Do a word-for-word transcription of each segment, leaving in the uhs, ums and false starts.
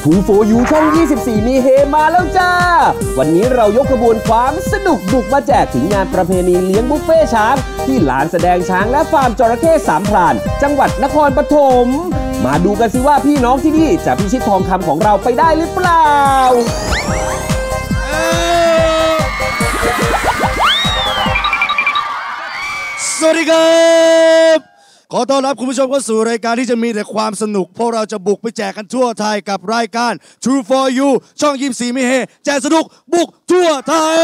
ทู โฟร์ ยู ช่อง ยี่สิบสี่ มีเฮมาแล้วจ้าวันนี้เรายกขบวนความสนุกบุกมาแจกถึงงานประเพณีเลี้ยงบุฟเฟ่ช้างที่ลานแสดงช้างและฟาร์มจระเข้สามพรานจังหวัดนครปฐมมาดูกันสิว่าพี่น้องที่นี่จะพิชิตทองคำของเราไปได้หรือเปล่าสวัสดีครับขอต้อนรับคุณผู้ชมเข้าสู่รายการที่จะมีแต่ความสนุกพวกเราจะบุกไปแจกกันทั่วไทยกับรายการ ทู โฟร์ ยู ช่องยี่สิบสี่มีเฮแจกสนุกบุกทั่วไทย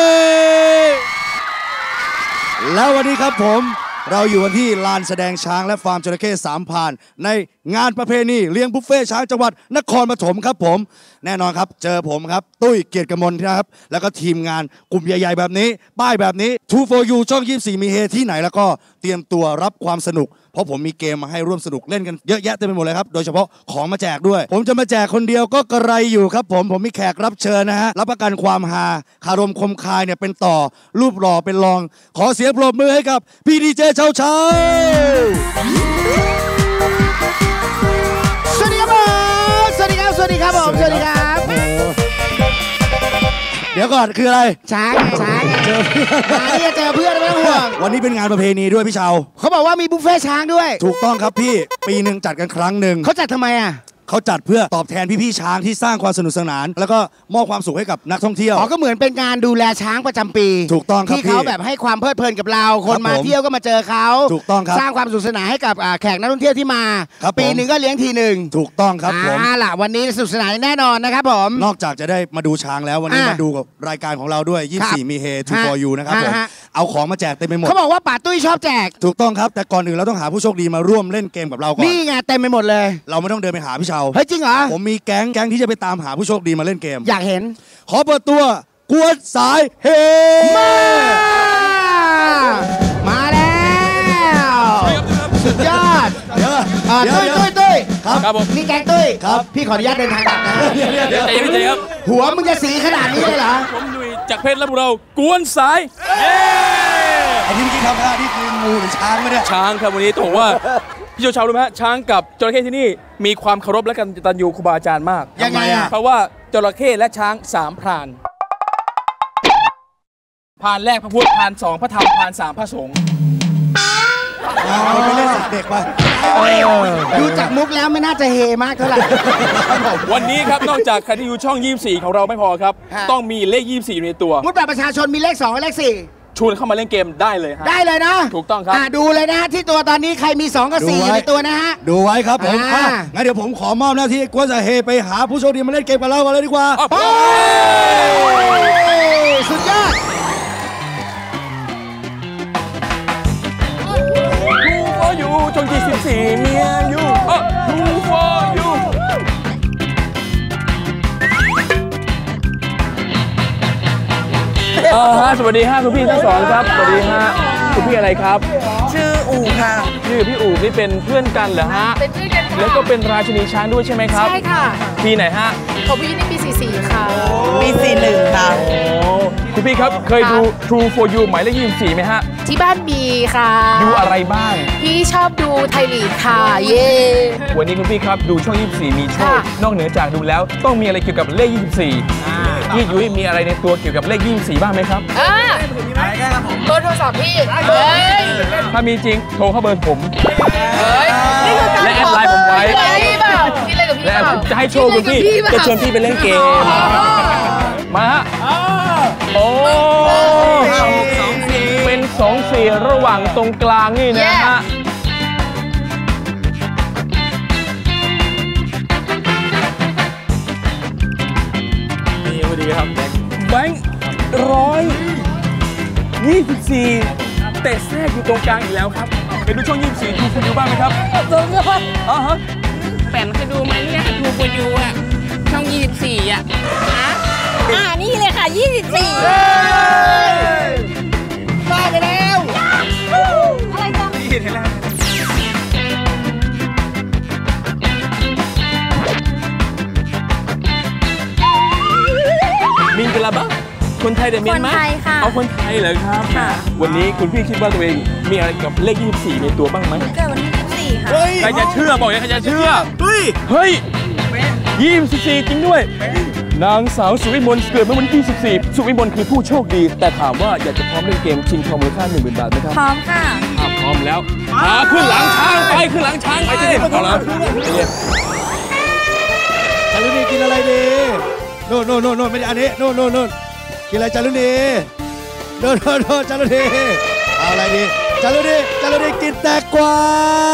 แล้ววันนี้ครับผมเราอยู่กันที่ลานแสดงช้างและฟาร์มจระเข้สามพรานในงานประเพณีเลี้ยงบุฟเฟ่ช้างจังหวัดนครปฐมครับผมแน่นอนครับเจอผมครับตุ้ยเกียรติกมลนะครับแล้วก็ทีมงานกลุ่มใหญ่ๆแบบนี้ป้ายแบบนี้ ทู โฟร์ ยู ช่องยี่สิบสี่มีเฮที่ไหนแล้วก็เตรียมตัวรับความสนุกเพราะผมมีเกมมาให้ร่วมสนุกเล่นกันเยอะแยะเต็มไปหมดเลยครับโดยเฉพาะของมาแจกด้วยผมจะมาแจกคนเดียวก็กระไรอยู่ครับผมผมมีแขกรับเชิญนะฮะรับประกันความฮาคารมคมคายเนี่ยเป็นต่อรูปหล่อเป็นรองขอเสียงปรบมือให้กับพี่ดีเจเช้าเช้าสวัสดีครับผมสวัสดีครับสวัสดีครับผมสวัสดีครับเดี๋ยวก่อนคืออะไรช้างช้างเจอเพื่อนมาเนี่ยเจอเพื่อนไม่ต้องห่วงวันนี้เป็นงานประเพณีด้วยพี่เชาเขาบอกว่ามีบุฟเฟ่ช้างด้วยถูกต้องครับพี่ปีหนึ่งจัดกันครั้งหนึ่งเขาจัดทำไมอ่ะเขาจัดเพื่อตอบแทนพี่ๆช้างที่สร้างความสนุกสนานแล้วก็มอบความสุขให้กับนักท่องเที่ยวอ๋อก็เหมือนเป็นการดูแลช้างประจำปีถูกต้องครับที่เขาแบบให้ความเพลิดเพลินกับเราคนมาเที่ยวก็มาเจอเขาถูกต้องครับสร้างความสนุกสนานให้กับแขกนักท่องเที่ยวที่มาปีหนึ่งก็เลี้ยงทีหนึ่งถูกต้องครับผมอ่าล่ะวันนี้สนุกสนานแน่นอนนะครับผมนอกจากจะได้มาดูช้างแล้ววันนี้มาดูกับรายการของเราด้วยยี่สิบสี่มีเฮ ทู โฟร์ ยู นะครับผมเอาของมาแจกเต็มไปหมดเขาบอกว่าป๋าตุ้ยชอบแจกถูกต้องครับแต่ก่อนอื่นเราต้องหาผู้โชคดีมาร่วมเล่นเกมกับเราก่อนนี่ไงเต็มไปหมดเลยเราไม่ต้องเดินไปหาพี่เชาเฮ้ยจริงเหรอผมมีแก๊งแก๊งที่จะไปตามหาผู้โชคดีมาเล่นเกมอยากเห็นขอเปิดตัวกวนสายเฮมามาแล้วสุดยอดเดี๋ยวตุ้ยตุ้ยตุ้ยครับผมนี่แก๊งตุ้ยครับพี่ขออนุญาตเดินทางกลับนะเดี๋ยวเดี๋ยวเดี๋ยวครับหัวมึงจะสีขนาดนี้เลยเหรอผมดุยจากเพชรและพวกเรากวนสายเย้ไอ้ที่เมื่อกี้ทำท่านี่คืองูหรือช้างไหมเนี่ยช้างครับวันนี้ต้องบอกว่าพี่โจชาวรู้ไหมฮะช้างกับจระเข้ที่นี่มีความเคารพและกตัญญูครูบาอาจารย์มากยังไงอ่ะเพราะว่าจระเข้และช้างสามพรานพรานแรกพระพุทธพรานสองพระธรรมพรานสามพระสงฆ์ไม่เล่นสัตว์เด็กไปดูจากมุกแล้วไม่น่าจะเฮมากเท่าไหร่วันนี้ครับนอกจากใครที่อยู่ช่องยี่สิบสี่ของเราไม่พอครับต้องมีเลขยี่สิบสี่ในตัวมุดแบบประชาชนมีเลขสองกับเลขสี่ชวนเข้ามาเล่นเกมได้เลยฮะได้เลยนะถูกต้องครับดูเลยนะที่ตัวตอนนี้ใครมีสองกับสี่ในตัวนะฮะดูไว้ครับผมงั้นเดี๋ยวผมขอมอบหน้าที่กวนสายเฮไปหาผู้โชคดีมาเล่นเกมกับเรากันเลยดีกว่าสุดยอดทูโฟร์ยูจนยี่สิบสี่เมียยูทูโฟร์ยูเออฮะสวัสดีฮะคุณพี่ทั้งสองครับสวัสดีฮะคุณพี่อะไรครับชื่ออู่ค่ะชื่อพี่อู่นี่เป็นเพื่อนกันเหรอฮะเป็นเพื่อนกันค่ะแล้วก็เป็นราชินีช้างด้วยใช่ไหมครับใช่ค่ะปีไหนฮะของพี่นี่ปีสี่สี่ค่ะปีสี่หนึ่งค่ะโอ้คุณพี่ครับเคยดู ทู โฟร์ ยู หมายเลขยี่สิบสี่ไหมฮะที่บ้านมีค่ะดูอะไรบ้างพี่ชอบดูไทยลีกค่ะเย่วันนี้คุณพี่ครับดูช่องยี่สิบสี่มีโชคนอกเหนือจากดูแล้วต้องมีอะไรเกี่ยวกับเลขยี่สิบสี่พี่ยุ้ยมีอะไรในตัวเกี่ยวกับเลขยี่สิบสี่บ้างไหมครับอ่าเบอร์โทรศัพท์พี่เฮ้ยถ้ามีจริงโทรเข้าเบอร์ผมเฮ้ยและแอดไลน์ผมไว้และจะให้โชว์คุณพี่จะชวนพี่ไปเล่นเกมมาฮะโอ้เป็นสองสี่ระหว่างตรงกลางนี่นะฮะนี่พอดีครับแบงค์ร้อยยี่สิบสี่เตะแทรกอยู่ตรงกลางอีกแล้วครับไปดูช่องยี่สิบสี่ทูฟูยูบ้างไหมครับดูครับอ๋อฮะแปมเคยดูไหมเนี่ยทูฟูยูอ่ะช่องยี่สิบสี่อ่ะฮะอ่านี่เลยค่ะยี่สิบสี่บ้าไปแล้วอะไรกันนี่เห็นแล้วมิงกะลาบ้าคนไทยเดเมียนไหมคนไทยค่ะเอาคนไทยเหรอครับวันนี้คุณพี่คิดว่าตัวเองมีอะไรกับเลขยี่สิบสี่ในตัวบ้างไหมเกิดวันที่ยี่สิบสี่ค่ะใครจะเชื่อบอกเลยใครจะเชื่อเฮ้ยเฮ้ยยี่สิบสี่จริงด้วย นางสาวสุวิมลเกิดเมื่อวันที่ยี่สิบสี่สุวิมลคือผู้โชคดีแต่ถามว่าอยากจะพร้อมเล่นเกมชิงทองมูลค่าหนึ่งหมื่นบาทไหมครับพร้อมค่ะถ้าพร้อมแล้วมาขึ้นหลังช้างไปขึ้นหลังช้างไปเอาละจารุณีกินอะไรดีโน่นโน่นโน่นโน่นไม่ได้อันนี้โน่นโน่นโน่นกินอะไรจารุณีโน่นโน่นโน่นจารุณีเอาอะไรดีจารุณีจารุณีกินแตงกวา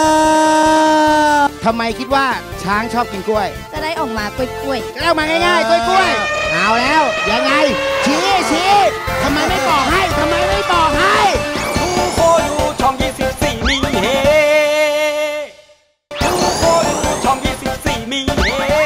ทำไมคิดว่าช้างชอบกินกล้วยจะได้ออกมากล้วยๆจะได้ออกมาง่ายๆกล้วยๆเอาแล้วยังไงชี้ชี้ทำไมไม่บอกให้ทำไมไม่บอกให้ทูโฟยูช่องยี่สิบสี่มีเฮทูโฟยูช่องยี่สิบสี่มีเฮ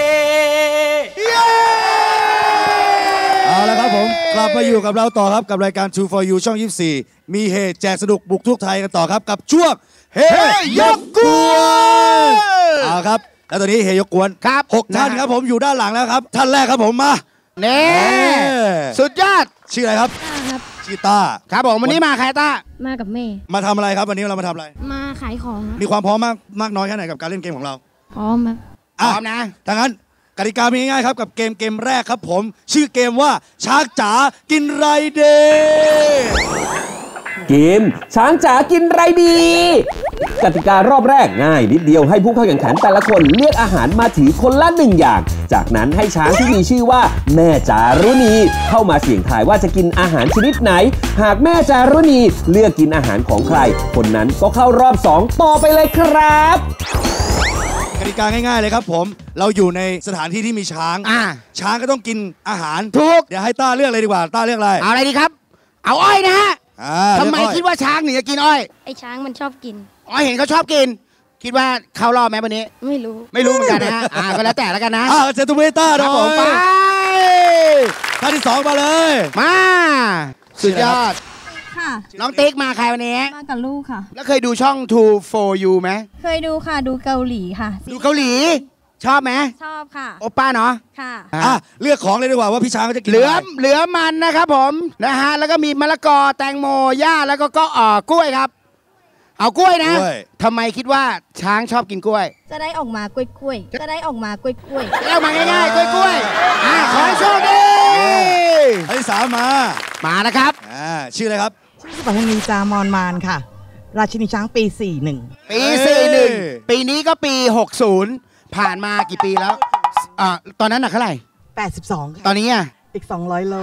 เอาละครับผมกลับมาอยู่กับเราต่อครับกับรายการ ทู โฟร์ ยู ช่องยี่สิบสี่มีเฮแจกสนุกบุกทุกไทยกันต่อครับกับช่วงเฮยกกวนเอาครับแล้วตอนนี้เฮยกกวนครับหกท่านครับผมอยู่ด้านหลังแล้วครับท่านแรกครับผมมาเน่สุดยอดชื่ออะไรครับครับชื่อต้าครับผมวันนี้มาใครต้ามากับแม่มาทำอะไรครับวันนี้เรามาทำอะไรมาขายของมีความพร้อมมากมากน้อยแค่ไหนกับการเล่นเกมของเราพร้อมครับพร้อมนะดังนั้นกติกามีง่ายๆครับกับเกมเกมแรกครับผมชื่อเกมว่าช้างจ๋ากินไรเดย์เกมช้างจ๋ากินไรดีกติการอบแรกง่ายนิดเดียวให้ผู้เข้าแข่งขันแต่ละคนเลือกอาหารมาถือคนละหนึ่งอย่างจากนั้นให้ช้างที่มีชื่อว่าแม่จารุณีเข้ามาเสี่ยงทายว่าจะกินอาหารชนิดไหนหากแม่จารุณีเลือกกินอาหารของใครคนนั้นก็เข้ารอบสองต่อไปเลยครับกติกาง่ายๆเลยครับผมเราอยู่ในสถานที่ที่มีช้างอ่าช้างก็ต้องกินอาหารถูกเดี๋ยวให้ต้าเลือกเลยดีกว่าต้าเลือกอะไรเอาอะไรดีครับเอาอ้อยนะฮะทำไมคิดว่าช้างหนีจะกินอ้อยไอ้ช้างมันชอบกินอ๋อเห็นเขาชอบกินคิดว่าเข้ารอบไหมวันนี้ไม่รู้ไม่รู้เหมือนกันนะฮะอ่าก็แล้วแต่แล้วกันนะอ่าเซตุเวต้าหน่อยไปท่านที่สองมาเลยมาสุดยอดค่ะน้องติ๊กมาใครวันนี้มากับลูกค่ะแล้วเคยดูช่อง ทู โฟร์ ยู ไหมเคยดูค่ะดูเกาหลีค่ะดูเกาหลีชอบไหมชอบค่ะโอป้าเนาะค่ะอ่ะเลือกของเลยดีกว่าว่าพี่ช้างเขาจะกินเหลือเหลือมันนะครับผมนะฮะแล้วก็มีมะละกอแตงโมหญ้าแล้วก็ก็อ่อกล้วยครับเอากล้วยนะทำไมคิดว่าช้างชอบกินกล้วยจะได้ออกมากล้วยกล้วยจะได้ออกมากล้วยกล้วยจะได้ออกมาง่ายๆกล้วยกล้วยอ่าขอให้โชคดีไอ้สามมามานะครับอ่าชื่ออะไรครับชื่อสุภานีจามอนมานค่ะราชินีช้างปีสี่สิบเอ็ดปีสี่สิบเอ็ดปีนี้ก็ปีหกสิบผ่านมากี่ปีแล้วอ่าตอนนั้นหนักเท่าไหร่แปดสิบสองตอนนี้อ่ะอีกสองร้อยโล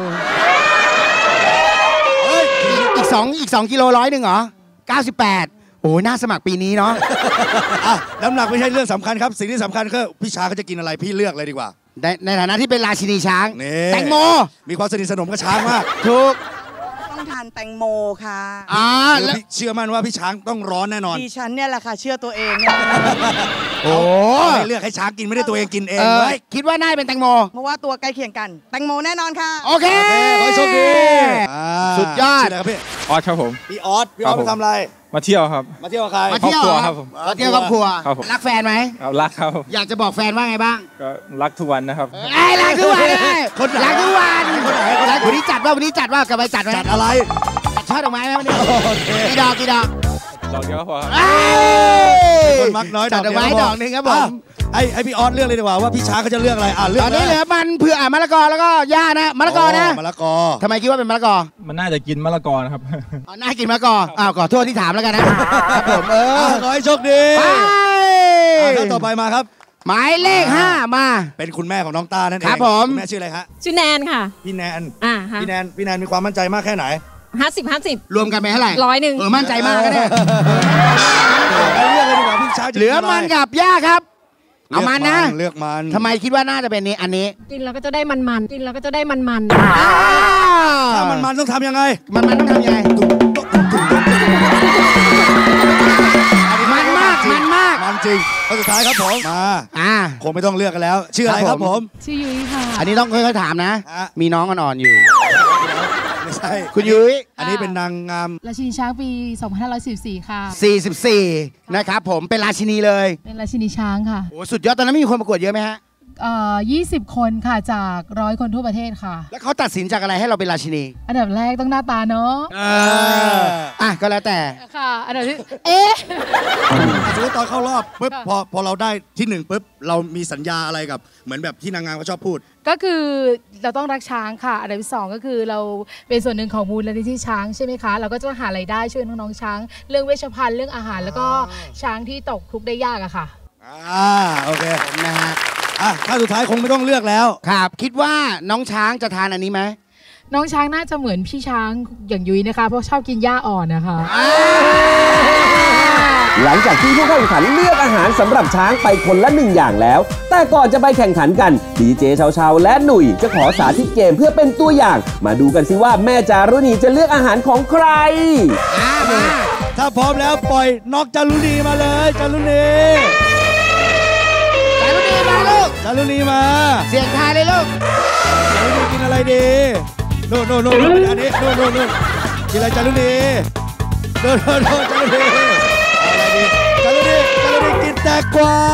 อีกสองอีกสองกิโลร้อยหนึ่งเหรอเก้าสิบแปดโอ้น่าสมัครปีนี้เนาะอ่ะน้ำหนักไม่ใช่เรื่องสำคัญครับสิ่งที่สำคัญคือพี่ช้างเขาจะกินอะไรพี่เลือกเลยดีกว่าในในฐานะที่เป็นราชินีช้างแตงโมมีความสนิทสนมกับช้างมากถูกต้องทานแตงโมค่ะอ่าแล้วเชื่อมั่นว่าพี่ช้างต้องร้อนแน่นอนดิฉันเนี่ยแหละค่ะเชื่อตัวเองเนี่ยโอ้เลือกให้ช้างกินไม่ได้ตัวเองกินเองเลยคิดว่าน่าเป็นแตงโมเพราะว่าตัวใกล้เคียงกันแตงโมแน่นอนค่ะโอเคขอให้โชคดีสุดยอดครับพี่ออสครับผมพี่ออสพี่ออสไปทำอะไรมาเที่ยวครับมาเที่ยวใครมาเที่ยวครับผมมาเที่ยวครอบครัวรักแฟนไหมรักครับอยากจะบอกแฟนว่าไงบ้างก็รักทุกวันนะครับไอ้รักทุกวันคนรักทุกวันคนไหนคนไหนวันนี้จัดว่าวันนี้จัดว่ากลับไปจัดไหมจัดอะไรจัดช่อดอกไม้ไหมวันนี้กี่ดอกกี่ดอกดอกเดียวพอครับคนมักน้อยจัดดอกไม้ดอกหนึ่งครับผมไอ้ไอ้พี่ออสเลือกเลยดีกว่าว่าพี่ช้างเขาจะเลือกอะไรอ่ะเลือกตอนนี้เหลือมันเผื่อมะละกอแล้วก็หญ้านะมะละกอนะมะละกอทำไมคิดว่าเป็นมะละกอมันน่าจะกินมะละกอนะครับอ๋อน่ากินมะละกออ้าวขอโทษที่ถามแล้วกันนะครับผมเออขอให้โชคดีไปท่านต่อไปมาครับหมายเลขห้ามาเป็นคุณแม่ของน้องต้านั่นเองครับผมแม่ชื่ออะไรฮะชื่อแนนค่ะพี่แนนอ่าพี่แนนพี่แนนมีความมั่นใจมากแค่ไหนห้าสิบห้าสิบรวมกันไปเท่าไหร่ร้อยหนึ่งเออมั่นใจมากก็ได้เลือกเลยดีกว่าพี่ช้างเหลือมันกับหญ้าครับเอามันนะเลือกมันทำไมคิดว่าน่าจะเป็นนี้อันนี้กินเราก็จะได้มันมันกินเราก็จะได้มันมันถ้ามันมันต้องทำยังไงมันมันต้องทำยังไงมันมากมันมากมันจริงข้อสุดท้ายครับผมมาอ่าคงไม่ต้องเลือกกันแล้วชื่ออะไรครับผมชื่อยุ้ยค่ะอันนี้ต้องค่อยๆถามนะมีน้องอ่อนๆอยู่ไม่ใช่คุณยุ้ยอันนี้เป็นนางงามราชินีช้างปีสองพันห้าร้อยสี่สิบสี่ค่ะสี่สิบสี่นะครับผมเป็นราชินีเลยเป็นราชินีช้างค่ะโอ้สุดยอดตอนนั้นมีคนประกวดเยอะไหมฮะเอ่อยี่สิบคนค่ะจากร้อยคนทั่วประเทศค่ะแล้วเขาตัดสินจากอะไรให้เราเป็นราชินีอันดับแรกต้องหน้าตาเนาะอ่ะก็แล้วแต่ค่ะอันดับที่เอ๊ะสมมติตอนเข้ารอบปุ๊บพอพอเราได้ที่หนึ่งปุ๊บเรามีสัญญาอะไรกับเหมือนแบบที่นางงามเขาชอบพูดก็คือเราต้องรักช้างค่ะอันดับที่สองก็คือเราเป็นส่วนหนึ่งของมูลนิธิช้างใช่ไหมคะเราก็จะหารายได้ช่วยน้องๆช้างเรื่องเวชภัณฑ์เรื่องอาหารแล้วก็ช้างที่ตกทุกข์ได้ยากอะค่ะอ่าโอเคนะฮะอ่ะถ้าสุดท้ายคงไม่ต้องเลือกแล้วครับคิดว่าน้องช้างจะทานอันนี้ไหมน้องช้างน่าจะเหมือนพี่ช้างอย่างยุ้ยนะคะเพราะชอบกินหญ้าอ่อนนะคะหลังจากที่ผู้เข้าแข่งขันเลือกอาหารสำหรับช้างไปคนละหนึ่งอย่างแล้วแต่ก่อนจะไปแข่งขันกันดีเจเชาๆและหนุ่ยจะขอสาธิตเกมเพื่อเป็นตัวอย่างมาดูกันสิว่าแม่จารุณีจะเลือกอาหารของใครถ้าพร้อมแล้วปล่อยนอกจารุณีมาเลยจารุณีจารุณีมาลูกจารุณีมาเสียงทายเลยลูกจารุณีกินอะไรดีโน่นโน่นโน่นอันนี้โน่นโน่นโน่นกินอะไรจารุณีโน่นโน่นโน่นจารุณีอะไรดีจารุณีจารุณีกินแตงกวา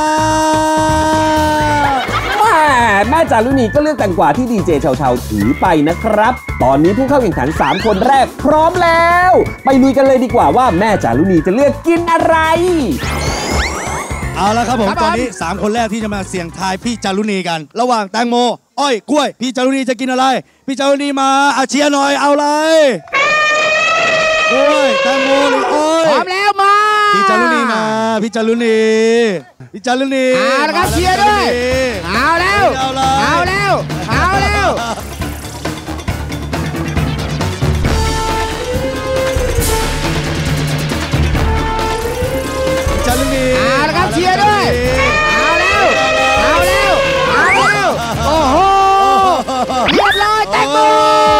แม่แม่จารุณีก็เลือกแตงกวาที่ดีเจเชาๆถือไปนะครับตอนนี้ผู้เข้าแข่งขันสามคนแรกพร้อมแล้วไปลุยกันเลยดีกว่าว่าแม่จารุณีจะเลือกกินอะไรเอาละครับผมตอนนี้สามคนแรกที่จะมาเสี่ยงทายพี่จารุณีกันระหว่างแตงโมอ้อยกล้วยพี่จารุณีจะกินอะไรพี่จารุณีมาอาเชียร์หน่อยเอาเลยกล้วยแตงโมหรืออ้อยพร้อมแล้วมาพี่จารุณีมาพี่จารุณีพี่จารุณีเอาละครับเชียร์ด้วยเอาแล้วเอาแล้วเอาแล้วจารุณีเอาละครับเชียร์ด้วยเอาแล้วเอาแล้วเอาแล้วโอ้โหเรียบร้อยแตงโม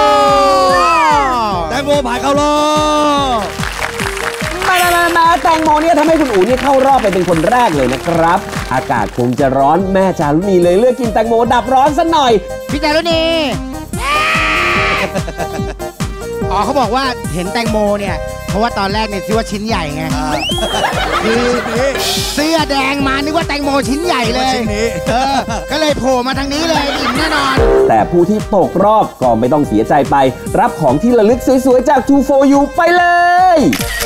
แตงโมผ่านเข้ารอบมามามาแตงโมเนี่ยทำให้คุณอู๋นี่เข้ารอบไปเป็นคนแรกเลยนะครับอากาศคงจะร้อนแม่จารุณีเลยเลือกกินแตงโมดับร้อนซะหน่อยพี่จารุณีอ๋อเขาบอกว่าเห็นแตงโมเนี่ยเพราะว่าตอนแรกเนี่ยคิดว่าชิ้นใหญ่ไงคือเสื้อแดงมานึกว่าแตงโมชิ้นใหญ่เลยก็เลยโผล่มาทางนี้เลยอิ่มแน่นอนแต่ผู้ที่ตกรอบก็ไม่ต้องเสียใจไปรับของที่ระลึกสวยๆจาก ทู โฟร์ ยู ไปเลย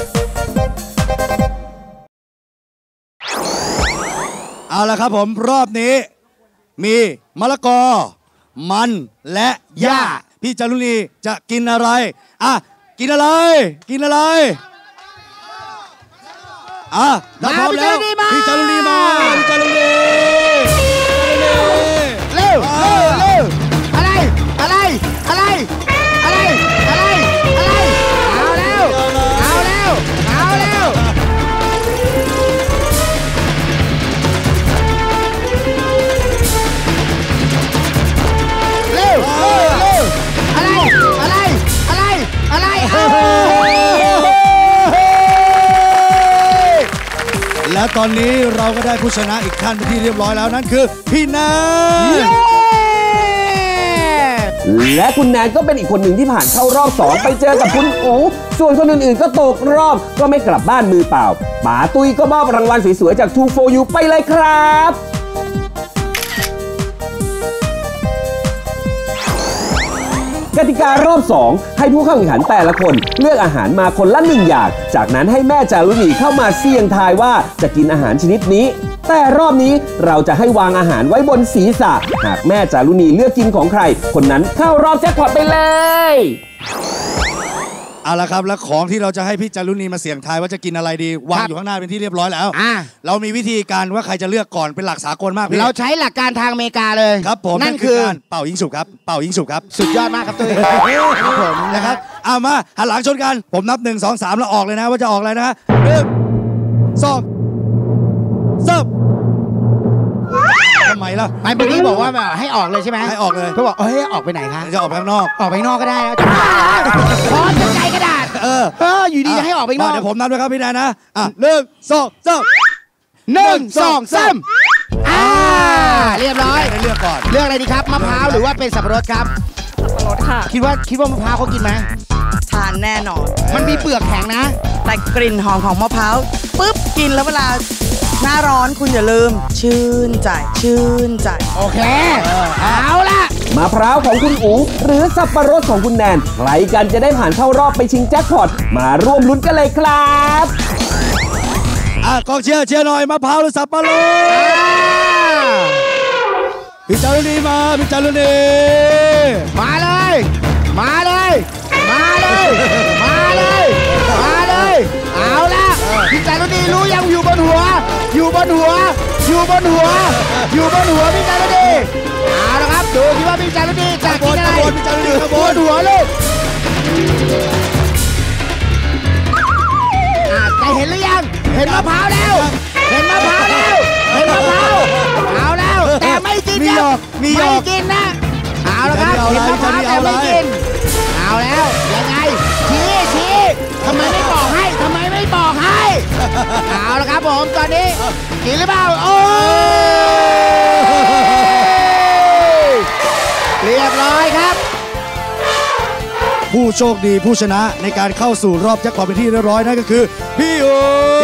เอาละครับผมรอบนี้มีมะละกอมันและหญ้าพี่จารุณีจะกินอะไรอ่ะกินอะไรกินอะไรอ่ะถ้าพร้อมแล้วพี่จารุณีมาพี่จารุณีเร็วเร็วเร็วอะไรอะไรอะไรอะไรอะไรอะไรเอาแล้วเอาแล้วเอาแล้วเร็วเร็วเร็วอะไรอะไรอะไรอะไรและตอนนี้เราก็ได้ผู้ชนะอีกท่านเป็นที่เรียบร้อยแล้วนั่นคือพี่แนนและคุณแนนก็เป็นอีกคนหนึ่งที่ผ่านเข้ารอบสองไปเจอกับคุณอู๋ส่วนคนอื่นๆก็ตกรอบก็ไม่กลับบ้านมือเปล่าป๋าตุ้ยก็มอบรางวัลสวยๆจาก ทู โฟร์ ยู ไปเลยครับกติการอบสองให้ผู้เข้าแข่งขันแต่ละคนเลือกอาหารมาคนละหนึ่งอย่างจากนั้นให้แม่จารุณีเข้ามาเสี่ยงทายว่าจะกินอาหารชนิดนี้แต่รอบนี้เราจะให้วางอาหารไว้บนศีรษะหากแม่จารุณีเลือกกินของใครคนนั้นเข้ารอบแจ็คพอตไปเลยเอาละครับแล้วของที่เราจะให้พี่จารุณีมาเสี่ยงทายว่าจะกินอะไรดีวางอยู่ข้างหน้าเป็นที่เรียบร้อยแล้วเรามีวิธีการว่าใครจะเลือกก่อนเป็นหลักสากลมากพี่เราใช้หลักการทางอเมริกาเลยครับผมนั่นคือการเป่ายิงฉุบครับเป่ายิงฉุบครับสุดยอดมากครับตุ้ยครับผมนะครับเอามาหันหลังชนกันผมนับหนึ่งสองสามแล้วออกเลยนะว่าจะออกอะไรนะหนึ่งสองสามทำไมล่ะไม่เมื่อกี้บอกว่าให้ออกเลยใช่ไหมให้ออกเลยเขาบอกเฮ้ยออกไปไหนคะจะออกไปข้างนอกออกไปข้างนอกก็ได้แล้วพอจะใจกระดาษเออเอออยู่ดีจะให้ออกไปข้างนอกเดี๋ยวผมนับด้วยครับพี่แนนนะอ่ะหนึ่งสองสามหนึ่งสองสามอ่าเรียบร้อยเลือกก่อนเลือกอะไรดีครับมะพร้าวหรือว่าเป็นสับปะรดครับสับปะรดค่ะคิดว่าคิดว่ามะพร้าวเขากินไหมทานแน่นอนมันมีเปลือกแข็งนะแต่กลิ่นหอมของมะพร้าวปุ๊บกินแล้วเวลาหน้าร้อนคุณอย่าลืม ชื่นใจ ชื่นใจโอเค เอาละมะพร้าวของคุณอูหรือสับปะรดของคุณแนนใครกันจะได้ผ่านเข้ารอบไปชิงแจ็คพอตมาร่วมลุ้นกันเลยครับอ่ะกองเชียร์เชียร์หน่อยมะพร้าวหรือสับปะรดพี่จารุณีมาพี่จารุณีมาเลยมาเลยมาเลยมาเลยมาเลยเอาละพี่จารุณีรู้ยังอยู่บนหัวอยู่บนหัวอยู่บนหัวอยู่บนหัวพี่จารุณีเอาละครับดูที่ว่าพี่จารุณีจะกินอะไรพี่จารุณีบนหัวลูกแต่เห็นหรือยังเห็นมะพร้าวแล้วเห็นมะพร้าวแล้วเห็นมะพร้าวเอาแล้วแต่ไม่กินนะไม่กินนะเอาละครับเห็นมะพร้าวแต่ไม่กินเอาแล้วยังไงชี้ชี้ทำไมไม่บอกให้ทำไมไม่บอกให้เอาละครับผมตอนนี้กินหรือเปล่าโอ้เรียบร้อยครับผู้โชคดีผู้ชนะในการเข้าสู่รอบแจ็คพอตเป็นที่เรียบร้อยนั่นก็คือพี่อู๋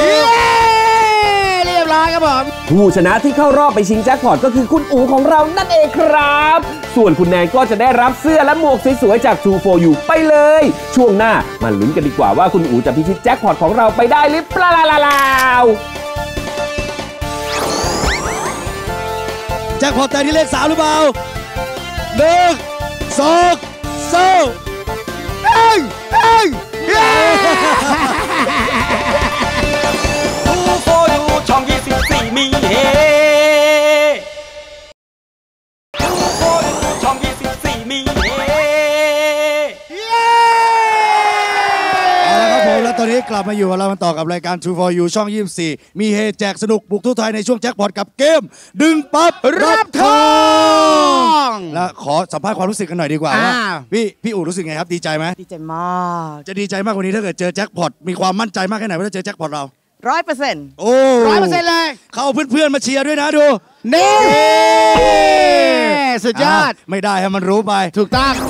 เรียบร้อยครับผมผู้ชนะที่เข้ารอบไปชิงแจ็คพอตก็คือคุณอู๋ของเรานั่นเองครับส่วนคุณแนนก็จะได้รับเสื้อและหมวกสวยๆจาก True โฟร์ ยู ไปเลยช่วงหน้ามาลุ้นกันดีกว่าว่าคุณอู๋จะพิชิตแจ็คพอตของเราไปได้หรือเปล่าแจ็คพอตแต่ที่เลขสามหรือเปล่าหนึ่งสองสามเฮ้ยเฮ้ยทูโฟยูช่องยี่สิบสี่มีเฮทูโฟยูช่องยี่สิบสี่มีเฮเอาละครับผมแล้วตอนนี้กลับมาอยู่กับเรามาต่อกับรายการ True โฟร์ ยู ช่องยี่สิบสี่มีเฮแจกสนุกบุกทั่วไทยในช่วงแจ็คพอตกับเกมดึงปั๊บรับทองแล้วขอสัมภาษณ์ความรู้สึกกันหน่อยดีกว่าว่าพี่พี่อู๋รู้สึกไงครับดีใจไหมดีใจมากจะดีใจมากกว่านี้ถ้าเกิดเจอแจ็คพอตมีความมั่นใจมากแค่ไหนว่าจะเจอแจ็คพอตเราร้อยเปอร์เซ็นต์โอ้ร้อยเปอร์เซ็นต์เลยเขาเพื่อนๆมาเชียร์ด้วยนะดูนี่สุดยอดไม่ได้ให้มันรู้ไปถูกต้อง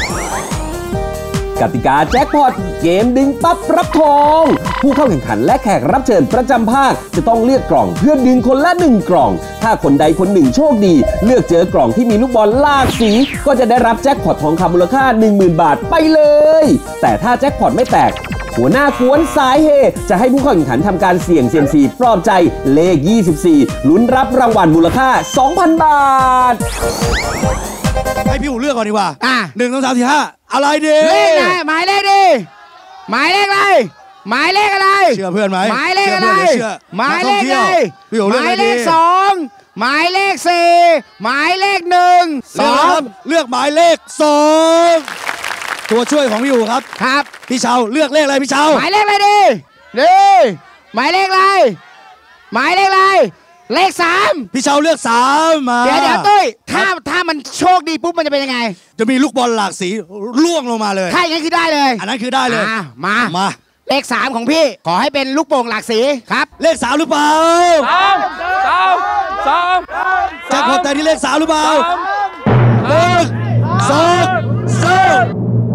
กติกาแจ็คพอตเกมดึงปั๊บรับทองผู้เข้าแข่งขันและแขกรับเชิญประจำภาคจะต้องเลือกกล่องเพื่อดึงคนละหนึ่งกล่องถ้าคนใดคนหนึ่งโชคดีเลือกเจอกล่องที่มีลูกบอลหลากสีก็จะได้รับแจ็คพอตทองคำมูลค่า หนึ่งหมื่น บาทไปเลยแต่ถ้าแจ็คพอตไม่แตกหัวหน้ากวนสายเฮจะให้ผู้เข้าแข่งขันทำการเสี่ยงเซียมซีปลอบใจเลขยี่สิบสี่ลุ้นรับรางวัลมูลค่า สองพัน บาทให้พี่อู๋เลือกก่อนดีกว่าอ่ะหนึ่งสองสามสี่ห้าอะไรดีเลขไหนหมายเลขดีหมายเลขอะไรหมายเลขอะไรเชื่อเพื่อนไหมหมายเลขอะไรหมายเลขอะไรพี่อู๋เลือกหมายเลขสองหมายเลขสี่หมายเลขหนึ่งสองเลือกหมายเลขสองตัวช่วยของพี่อู๋ครับครับพี่เชาเลือกเลขอะไรพี่เชาหมายเลขอะไรดีดีหมายเลขอะไรหมายเลขอะไรเลขสามพี่เชาเลือกสามมาเดี๋ยวเดี๋ยวตุ้ยถ้าถ้ามันโชคดีปุ๊บมันจะเป็นยังไงจะมีลูกบอลหลากสีล่วงลงมาเลยถ้าอย่างนั้นคือได้เลยอันนั้นคือได้เลยมามาเลขสามของพี่ขอให้เป็นลูกโป่งหลากสีครับเลขสามหรือเปล่าสามสามสามแจ็คพอตแต่ที่เลขสามหรือเปล่าหนึ่งสองสาม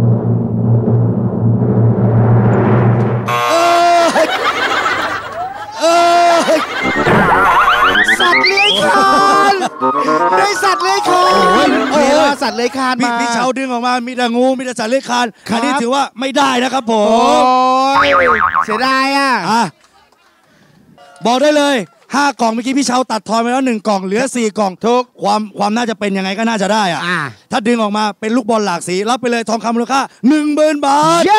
สัตว์เลื้อยคลานได้สัตว์เลื้อยคลานโอ้สัตว์เลื้อยคลานมาพี่เชาดึงออกมามีแต่งูมีแต่สัตว์เลื้อยคลานอันนี้ถือว่าไม่ได้นะครับผมโอ้ยเสียดายอ่ะบอกได้เลยห้ากล่องเมื่อกี้พี่เชาตัดทอนไปแล้วหนึ่งกล่องเหลือสี่กล่องทุกความความน่าจะเป็นยังไงก็น่าจะได้อ่ะถ้าดึงออกมาเป็นลูกบอลหลากสีรับไปเลยทองคำมูลค่าหนึ่งหมื่นบาท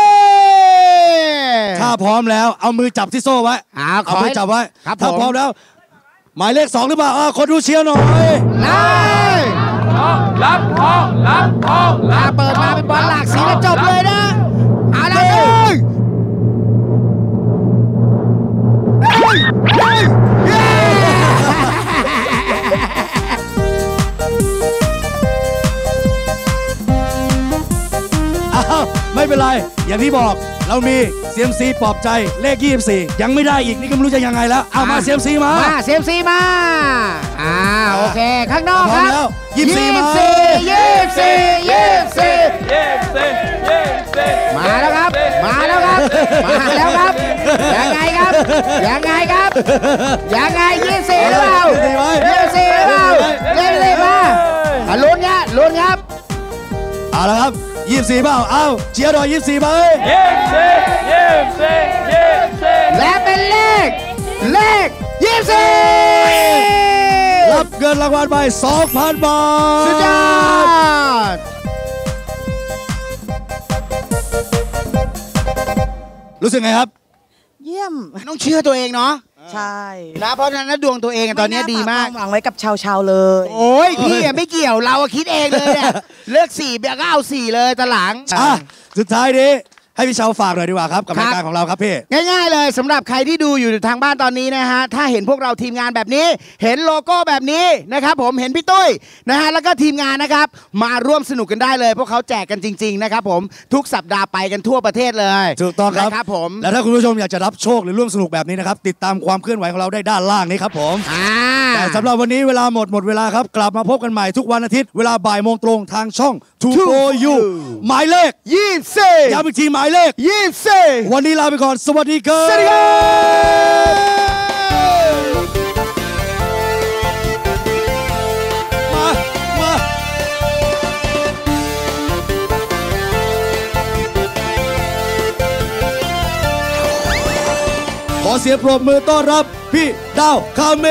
ถ้าพร้อมแล้วเอามือจับที่โซ่ไว้เอามือจับไว้ถ้าพร้อมแล้วหมายเลขสองหรือเปล่าคนดูเชียร์หน่อยเลยรับทองรับทองรับเปิดมาเป็นบอลหลากสีแล้วจบเลยนะเอาละเลยไม่เป็นไรอย่างที่บอกเรามีเซียมซีปลอบใจเลขยี่สิบสี่ยังไม่ได้อีกนี่ก็ไม่รู้จะยังไงแล้วเอามาเซียมซีมามาเซียมซีมาอ่าโอเคข้างนอกครับยี่สิบสี่มายี่สิบสี่ยี่สิบสี่ยี่สิบสี่ยี่สิบสี่มาแล้วครับมาแล้วครับมาแล้วครับยังไงครับยังไงครับยังไงยี่สิบสี่หรือเปล่ายี่สิบสี่หรือเปล่ายี่สิบสี่มาอ่ะลุ้นเงี้ยลุ้นครับเอาละครับยี่สิบสี่เปล่าเอาเชียร์หน่อยยี่สิบสี่มาเลยยี่สิบสี่ยี่สิบสี่ยี่สิบสี่และเป็นเลขเลขยี่สิบสี่รับเงินรางวัลไป สองพัน บาทสุดยอดรู้สึกไงครับเยี่ยมต้องเชื่อตัวเองเนาะใช่นะเพราะฉะนั้นดวงตัวเองตอนนี้ดีมากหวังไว้กับชาวชาวเลยโอ้ยพี่ไม่เกี่ยวเราคิดเองเลยเนี่ยเลือกสี่เบียร์ก็เอาสี่เลยตะหลังอ่ะสุดท้ายนี้ให้พี่เชาฝากหน่อยดีกว่าครับกับรายการของเราครับพี่ง่ายๆเลยสำหรับใครที่ดูอยู่ทางบ้านตอนนี้นะฮะถ้าเห็นพวกเราทีมงานแบบนี้เห็นโลโก้แบบนี้นะครับผมเห็นพี่ตุ้ยนะฮะแล้วก็ทีมงานนะครับมาร่วมสนุกกันได้เลยพวกเขาแจกกันจริงๆนะครับผมทุกสัปดาห์ไปกันทั่วประเทศเลยถูกต้องครับครับผมแล้วถ้าคุณผู้ชมอยากจะรับโชคหรือร่วมสนุกแบบนี้นะครับติดตามความเคลื่อนไหวของเราได้ด้านล่างนี้ครับผมแต่สำหรับวันนี้เวลาหมดหมดเวลาครับกลับมาพบกันใหม่ทุกวันอาทิตย์เวลาบ่ายโมงตรงทางช่อง ทู โฟร์ ยู หมายเลขยี่สิบสี่ย้ำอีกทีหมายเลขยี่สิบสี่วันนี้ลาไปก่อนสวัสดีครับสวัสดีครับมามาขอเสียงปรบมือต้อนรับพี่ดาวคาเม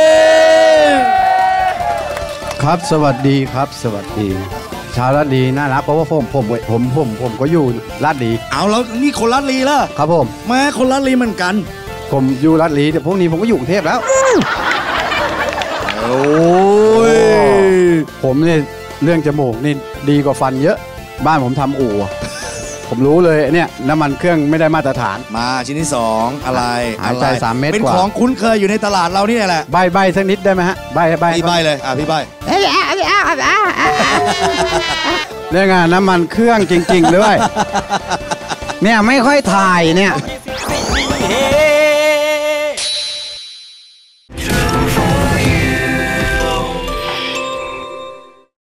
ครับสวัสดีครับสวัสดีชาวลาดลีน่ารักเพราะว่าผมผมผมผมผมก็อยู่ลาดลีเอาแล้วนี่คนลาดลีล่ะครับผมแม่คนลาดลีเหมือนกันผมอยู่ลาดลีแต่พวกนี้ผมก็อยู่กรุงเทพแล้วโอ้ยผมเนี่ยเรื่องจมูกนี่ดีกว่าฟันเยอะบ้านผมทำอู่ผมรู้เลยเนี่ยน้ำมันเครื่องไม่ได้มาตรฐานมาชิ้นที่สองอะไรหายใจสามเม็ดกว่าเป็นของคุ้นเคยอยู่ในตลาดเรานี่แหละใบใบสักนิดได้ไหมฮะใบใบพี่ใบเลยอ่ะพี่ใบเรื่องงานน้ำมันเครื่องจริงๆเลยเนี่ยไม่ค่อยถ่ายเนี่ย